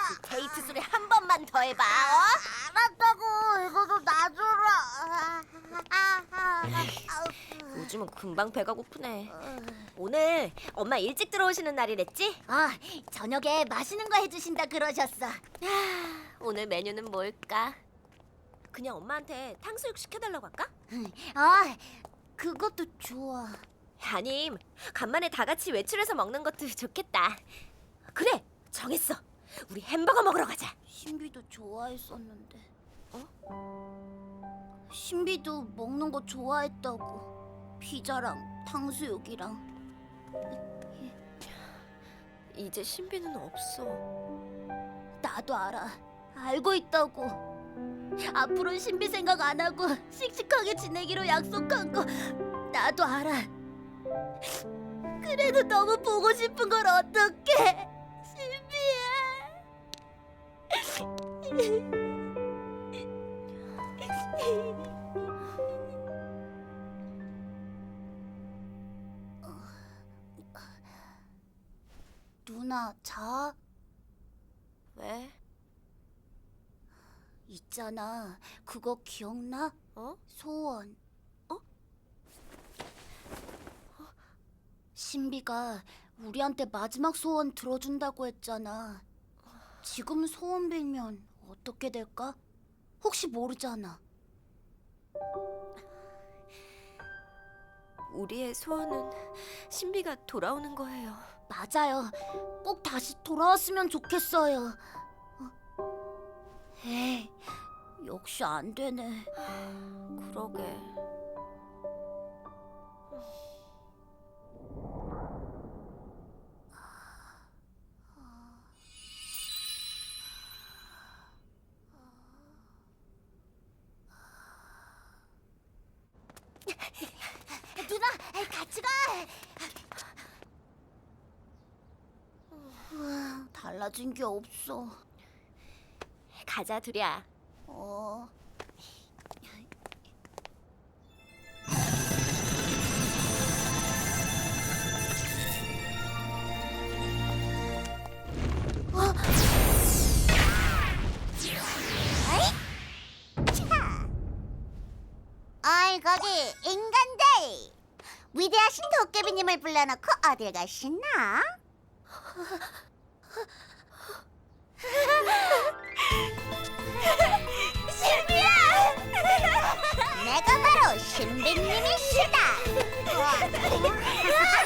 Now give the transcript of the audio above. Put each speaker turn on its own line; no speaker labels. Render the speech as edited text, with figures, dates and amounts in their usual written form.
그 데이트 소리 한 번만 더 해봐.
알았다고. 이거도 놔줘라.
요즘은 금방 배가 고프네. 오늘 엄마 일찍 들어오시는 날이랬지?
저녁에 맛있는 거 해주신다 그러셨어.
오늘 메뉴는 뭘까? 그냥 엄마한테 탕수육 시켜달라고 할까?
그것도 좋아.
아님, 간만에 다 같이 외출해서 먹는 것도 좋겠다. 그래, 정했어. 우리 햄버거 먹으러 가자.
신비도 좋아했었는데. 신비도 먹는 거 좋아했다고. 피자랑 탕수육이랑.
이제 신비는 없어.
나도 알아. 알고 있다고. 앞으로 신비 생각 안 하고 씩씩하게 지내기로 약속한 거 나도 알아. 그래도 너무 보고 싶은 걸 어떡해. 신비야. 누나 자.
왜?
있잖아. 그거 기억나? 소원. 신비가 우리한테 마지막 소원 들어준다고 했잖아. 지금 소원 빌면 어떻게 될까? 혹시 모르잖아.
우리의 소원은 신비가 돌아오는 거예요.
맞아요. 꼭 다시 돌아왔으면 좋겠어요. 에이, 역시 안 되네.
그러게.
누나, 같이 가. 달라진 게 없어.
가자, 둘이야.
어이 거기 인간들! 위대하신 도깨비님을 불러놓고 어딜 가시나? 신비야! 내가 바로 신비님이시다!